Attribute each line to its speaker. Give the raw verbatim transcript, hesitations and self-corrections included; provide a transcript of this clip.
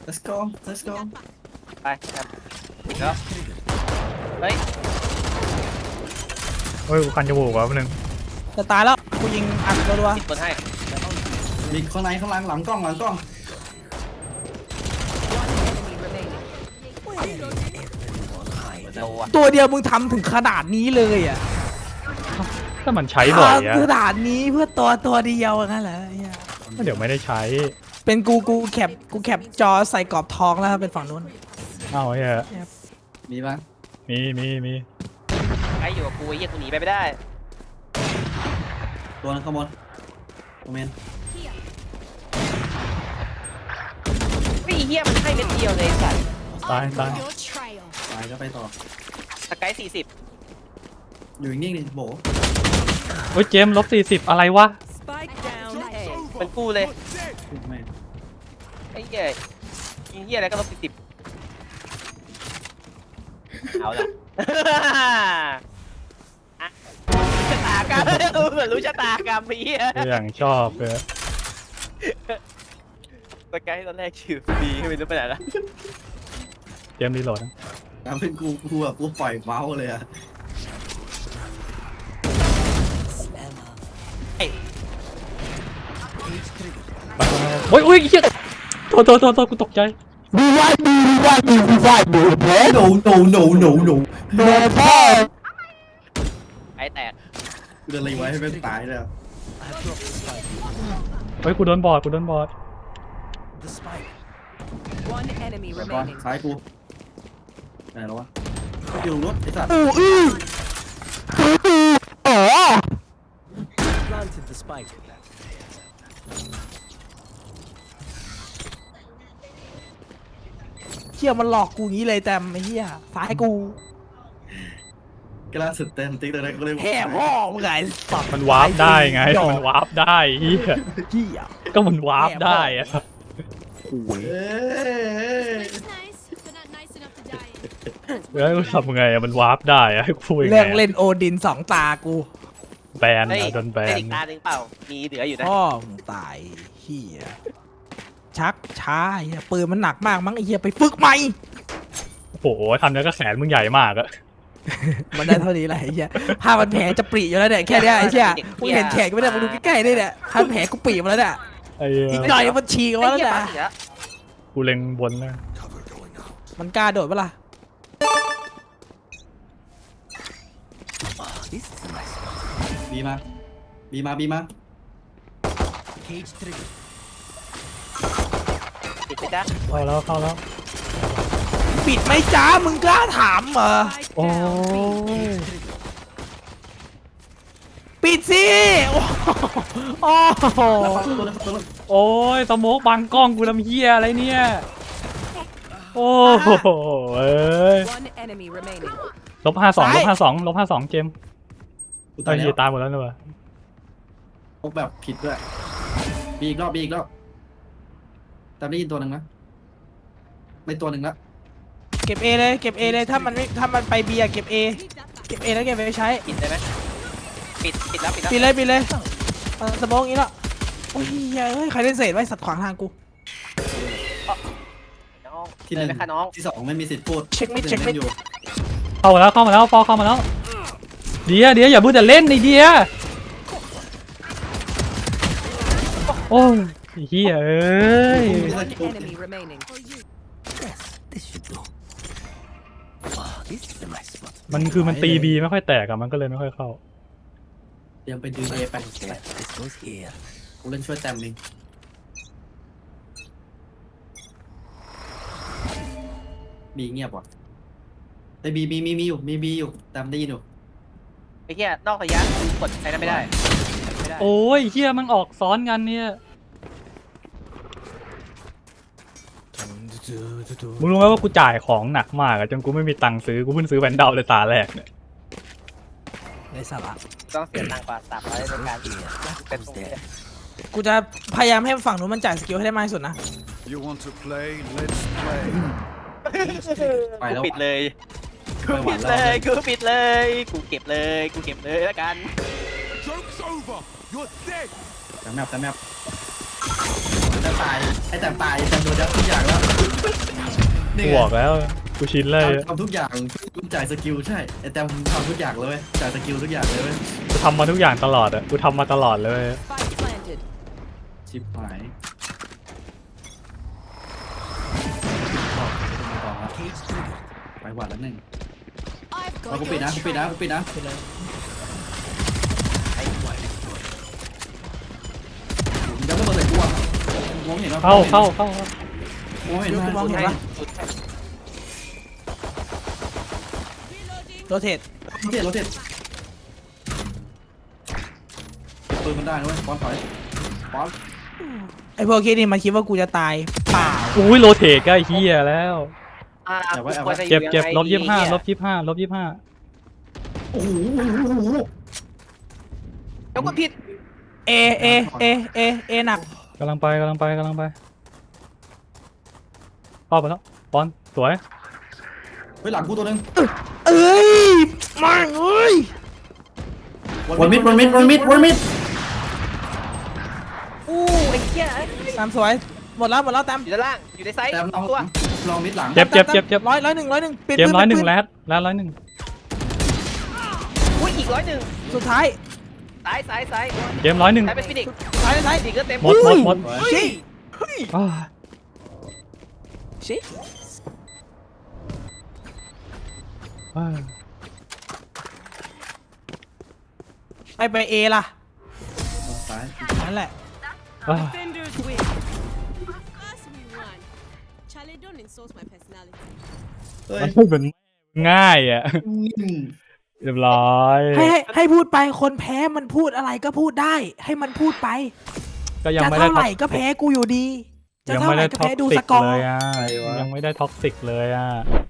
Speaker 1: let's go let's go
Speaker 2: ไปครับปิดแล้วเฮ้ย
Speaker 3: เฮ้ยกูคันจมูกว่ะแป๊บนึง
Speaker 4: จะตายแล้วกูยิงอัดตัวตัว
Speaker 2: ปิดบนให้
Speaker 1: มีข้างในข้างหลังหลังกล้องหลังกล้อง
Speaker 2: โดอ่ะ
Speaker 4: ตัวเดียวมึงทำถึงขนาดนี้เลยอ่ะ
Speaker 3: ถ้ามันใช้บ่อยอะ
Speaker 4: ทำขนาดนี้เพื่อตัวตัวเดียวงั้นเหรอเหี้ย
Speaker 3: ก็เดี๋ยวไม่ได้ใช้
Speaker 4: เป็นกูกูแคปกูแคปจอใส่กรอบทองแล้วครับเป็นฝั่งนู้น
Speaker 3: เอ้าไอ้เหี้ย
Speaker 1: มีปะ
Speaker 3: มีมีมี
Speaker 2: ไอ้อยู่กับกูไอ้เหี้ยกูหนีไปไม่ได้
Speaker 1: ตัวนั้นข้างบนโอเมน
Speaker 2: ไอ้เหี้ยมันให้เม็ดเดียวเลยไอ้สัตว์
Speaker 3: ตายตาย
Speaker 1: ตายก็ไปต่อ
Speaker 2: สกายสี่สิบ
Speaker 1: อยู่นิ่งๆดิโบ
Speaker 3: เฮ้ยเจมลบสี่สิบอะไรวะ
Speaker 5: Spike down A.
Speaker 2: เป็นกูเลย
Speaker 1: ไม่
Speaker 2: ไอ้เหี้ยยิงเหี้ยอะไรก็ลบสี่สิบเอาละชะตากรรมเหมือนรู้ชะตากรรมพี่
Speaker 3: อย่างชอบเลย
Speaker 2: สกายตอนแรกชื่อดีไม่รู้ไปไหนละ
Speaker 3: เจมรีโหลดนะ
Speaker 1: ทำเป็นกูกูแบบกูปล่อยเมาส์เลยอะ
Speaker 3: เฮ้ยอุ้ยเหี้ยโทษโทษโทษโทษกูตกใจ
Speaker 4: ดูไว้ดูไว้ดูไว้ดูเบส
Speaker 1: โนโนโนโนโน
Speaker 4: โดนพ่อ
Speaker 2: ไอ้แตก
Speaker 1: กูจะรีไว้ให้เป็นตายเลย
Speaker 3: เฮ้ยกูโดนบอดกูโดนบอด
Speaker 5: One enemy
Speaker 1: ก่อน
Speaker 5: remaining.
Speaker 1: ซ้ายกูไหนแล้ววะอยู่รถไอ้สัตว์
Speaker 4: อู้อื้ออู้อื้ออ๋อ
Speaker 6: Planted the spike.
Speaker 4: เชี่ยมันหลอกกูงี้เลยแต่ไอ้เหี้ยสายกู
Speaker 1: กล้าสุดเต็มติ๊กเลยนะกูเลย
Speaker 4: แห่พ่อมึงไงสัตว์
Speaker 3: มันวาร์ปได้ไงมันวาร์ปได้เหี้ย
Speaker 4: เหี้ย
Speaker 3: ก็มันวาร์ปได้อะ
Speaker 1: เอ้ย
Speaker 7: It's nice, but not nice enough to die in.
Speaker 3: แล้วกูทำไงอะมันวาร์ปได้อะให้กูพูดยังไง
Speaker 4: เรื่อง
Speaker 3: อะ
Speaker 4: เล่นโอดินสองตากู
Speaker 3: แบน
Speaker 2: เฮ้ย
Speaker 3: อะโดนแบ
Speaker 2: ได้
Speaker 3: น
Speaker 2: อีกตาหนึ่งเปล่ามีเหลืออยู่นะ
Speaker 4: พ่อมึงตายเหี้ยชักช้าไอ้เหี้ยปืนมันหนักมากมั้งไอ้เหี้ยไปฝึกใหม่
Speaker 3: โอ้โหทำแล้วก็แขนมึงใหญ่มากอะ
Speaker 4: มันได้เท่านี้แหละไอ้เหี้ยผ้ามันแผลจะปรีอยู่แล้วเนี่ยแค่เนี้ยไอ้เหี้ยมึงเห็นแขนกูไม่ได้มึงดูใกล้ๆนี่เนี่ยผ้าแผลกูปรีมาแล้วเนี่ย
Speaker 3: ไอ้เหี้ย
Speaker 4: อีกหน่อยมันฉีกออกมาแล้ว
Speaker 2: ไอ้เหี้ย
Speaker 4: เนี่ย
Speaker 2: ปั๊บอีกแล้ว
Speaker 3: กูเล็งบนนะ
Speaker 4: มันกล้าโดดปะล่ะ
Speaker 1: บีมาบีมาบีมา
Speaker 6: Cage trigger.
Speaker 2: ปิดไปจ้ะ
Speaker 3: เข้าแล้วเข้าแล้ว
Speaker 4: ปิดไหมจ้ามึงกล้าถามเหรอ
Speaker 5: Spike
Speaker 3: โอ้
Speaker 5: down B.
Speaker 3: ย
Speaker 4: ปิดสิโอ้โอ้โห
Speaker 1: แล้วฟังตัวนั้นตัวนั้น
Speaker 3: โอ้ยสโมกบังกล้องกูทำเหี้ยอะไรเนี่ย โอ้โหเอ้ย
Speaker 5: One enemy remaining.
Speaker 3: ลบห้าสองลบห้าสองลบห้าสองเจม
Speaker 1: กู
Speaker 3: ตอ
Speaker 1: ตาน ย
Speaker 3: นี้
Speaker 1: แล้ว
Speaker 3: ตายหมดแล้วนะวะ
Speaker 1: พกแบบผิดด้วยบีอีกรอบบีอีกรอบแต่ได้ยินตัวหนึ่งนะไม่ตัวหนึ่งละ
Speaker 4: เก็บเอเลยเก็บเอเลยถ้ามันไม่ถ้ามันไปเบียเก็บเอเก็บเอแล้วเก็บไปใช้
Speaker 2: ปิดได้ไหมปิดปิดแล้วปิดแล้ว
Speaker 4: ปิดเลยปิดเลยเอาสมองอย่างนี้แล้วโอ้ยเฮ้ยใครเล่นเศษไว้สัตว์ขวางทางกู
Speaker 2: น้อง
Speaker 1: ที่ห
Speaker 2: เลย
Speaker 1: นึ่ง
Speaker 2: ไหมคะน้อง
Speaker 1: ที่สองไม่มีสิทธิ์พูด
Speaker 4: เช็คมิด
Speaker 1: ที่
Speaker 4: เช็ค
Speaker 1: ห
Speaker 4: มิ
Speaker 1: นึ่
Speaker 4: ด
Speaker 1: งอยู่
Speaker 3: เข้ามาแล้วเข้ามาแล้วฟอเข้ามาแล้วเดียเดียอย่าพูดแต่เล่นไอเดียโอ้ยไอ้เฮียเอ้ย
Speaker 5: One enemy remaining.
Speaker 6: This should do. Ah, this is a nice spot.
Speaker 3: มันคือมันตีบีไม่ค่อยแตกอะมันก็เลยไม่ค่อยเข้า
Speaker 1: เตรียมไปดูเอไป
Speaker 6: Okay, this goes here.
Speaker 1: กูเล่นช่วยแต้มเองบีเงียบว่ะแต่บีมีมีมีอยู่มีบีอยู่แต้มได้ยินอยู่
Speaker 2: ไอ้เหี้ยนอกระยะกดใช้นั้นไม่ได้ไม่ได้
Speaker 3: โอ้ยเฮียมันออกซ้อนกันเนี่ยมึงรู้ไหมว่ากูจ่ายของหนักมากอะจนกูไม่มีตังค์ซื้อกูเพิ่งซื้อแวนเดลเลยตาแรกเนี่ย
Speaker 4: ในสาระ
Speaker 2: ต้องเสียตังค์กว่าสามร้อยในการเป็นตรงนี้
Speaker 4: กูจะพยายามให้ฝั่งนู้นมันจ่ายสกิลให้ได้มากที่สุดนะ
Speaker 8: You want to play? Let's play.
Speaker 1: ไป
Speaker 2: กู
Speaker 1: แล้ว
Speaker 2: ปิดเลยกู
Speaker 1: ไม่ไหว
Speaker 2: ปิด
Speaker 1: แล้
Speaker 2: เล
Speaker 1: วย
Speaker 2: กูปิดเลยกูเก็บเลยกูเก็บเลยแล้วกัน
Speaker 8: Joke's over. You're dead.
Speaker 1: แต้มแมปแต้มแมปแต่ตายไอ้แต่ตายแต่โดนยัดทุกอย่างแล้วนี่
Speaker 3: กู
Speaker 1: ไง
Speaker 3: บอกแล้วกูชินเลย
Speaker 1: ทำทุกอย่างจ่ายสกิลใช่ไอ้แต่ทำทุกอย่างเลยเว้ยจ่ายสกิลทุกอย่างเลยเว้ย
Speaker 3: กูทำมาทุกอย่างตลอดอะกูทำมาตลอดเลย
Speaker 5: Spike planted.
Speaker 1: ชิบหาย
Speaker 6: Cage trigger.
Speaker 1: ไปหวัดแล้วหนึ่ง
Speaker 7: I've
Speaker 1: เรา
Speaker 7: got
Speaker 1: กูปิด
Speaker 7: your
Speaker 1: นะกูปิดนะ
Speaker 7: trail.
Speaker 1: กูปิดนะมึงจะไม่เปิดใส่กูอ่ะมองเห็นว่า
Speaker 3: เข้าเข้าเข้าเข้าม
Speaker 1: องเห็น
Speaker 4: เดี๋ยวกูมองเห็นปะ
Speaker 2: สุด
Speaker 7: Reloading.
Speaker 4: โรเทต
Speaker 1: โรเทตโรเทตปืนมันได้นะเว้ยป้อนถอยป้อน
Speaker 4: ไอพวกคิดนี่มันคิดว่ากูจะตายเปล่า
Speaker 3: อุ้ยโรเทใกล้เฮียแล้ว
Speaker 2: อ่ากูควรจะอ
Speaker 3: เจ็บ
Speaker 2: ยู่
Speaker 3: เจ็บ
Speaker 2: งไง
Speaker 3: ลบยี่สิบห้า
Speaker 2: ดี
Speaker 3: ลบยี่สิบห้าลบยี่สิบห้า
Speaker 1: โอ้โห
Speaker 2: เดี๋ยวกูผิด
Speaker 4: เอเอเอเอเอหนัก
Speaker 3: กำลังไปกำลังไปกำลังไปเข้าไปแล้วบอลสวย
Speaker 1: เฮ้ยหลังกูตัวนึง
Speaker 4: เอ้ยมาเอ้ย
Speaker 1: วันมิดวันมิดวันมิดวันมิด
Speaker 2: อู้ไอ้เหี้ย
Speaker 4: ตามสวยหมดแล้วหมดแล้วตาม
Speaker 2: อยู่ด้านล่างอยู่ในไซส์
Speaker 1: แต่ลอง
Speaker 2: ตัว
Speaker 1: ลองมิดหลัง
Speaker 3: เจ็บเจ็บเจ็บเจ็บ
Speaker 4: ร้อยร้อยหนึ่งร้อยหนึ่งปิด
Speaker 3: เกม
Speaker 4: ปื
Speaker 3: ร้อยหนึ่ง
Speaker 4: ปิดปื
Speaker 3: แรดแรดร้อยหนึ่ง
Speaker 2: อุ้ยอีกร้อยหนึ่ง
Speaker 4: สุดท้าย
Speaker 2: ซ้ายซ้ายซ้าย
Speaker 3: เกมร้อยหนึ่ง
Speaker 2: ซ้ายเป็นฟินิกซ์
Speaker 4: สุดท้ายสุดท้าย
Speaker 2: ฟินิกซ์ก็เต็ม
Speaker 3: หมดหมดหมด
Speaker 4: ชี้
Speaker 3: อ้าว
Speaker 4: ชี้
Speaker 3: อ้าว
Speaker 4: ไปไปเอล่ะ
Speaker 1: ซ้าย
Speaker 4: นั่นแหละ
Speaker 3: อ้าว
Speaker 5: Defenders win.
Speaker 7: Of course we won. Charlie, don't insult my personality.
Speaker 1: เฮ้ย
Speaker 3: มันเหมือนง่ายอ่ะ
Speaker 1: อืม
Speaker 3: เรียบร้อย
Speaker 4: ให้ให้ให้พูดไปคนแพ้มันพูดอะไรก็พูดได้ ให้มันพูดไป
Speaker 3: ก็ยัง
Speaker 4: จะ
Speaker 3: ไม่ได้
Speaker 4: เท่าไหร่ก็แพ้กูอยู่ดี จะ
Speaker 3: ยัง
Speaker 4: เท่า
Speaker 3: ไม่
Speaker 4: ไหร่
Speaker 3: ได้
Speaker 4: ก็
Speaker 3: ท็อก
Speaker 4: แพ้ดู
Speaker 3: ซิ
Speaker 4: ส
Speaker 3: ก
Speaker 4: กอ
Speaker 3: เล
Speaker 4: ร์
Speaker 3: ยอ่ะยังไม่ได้ท็อกซิกเลยอ่ะ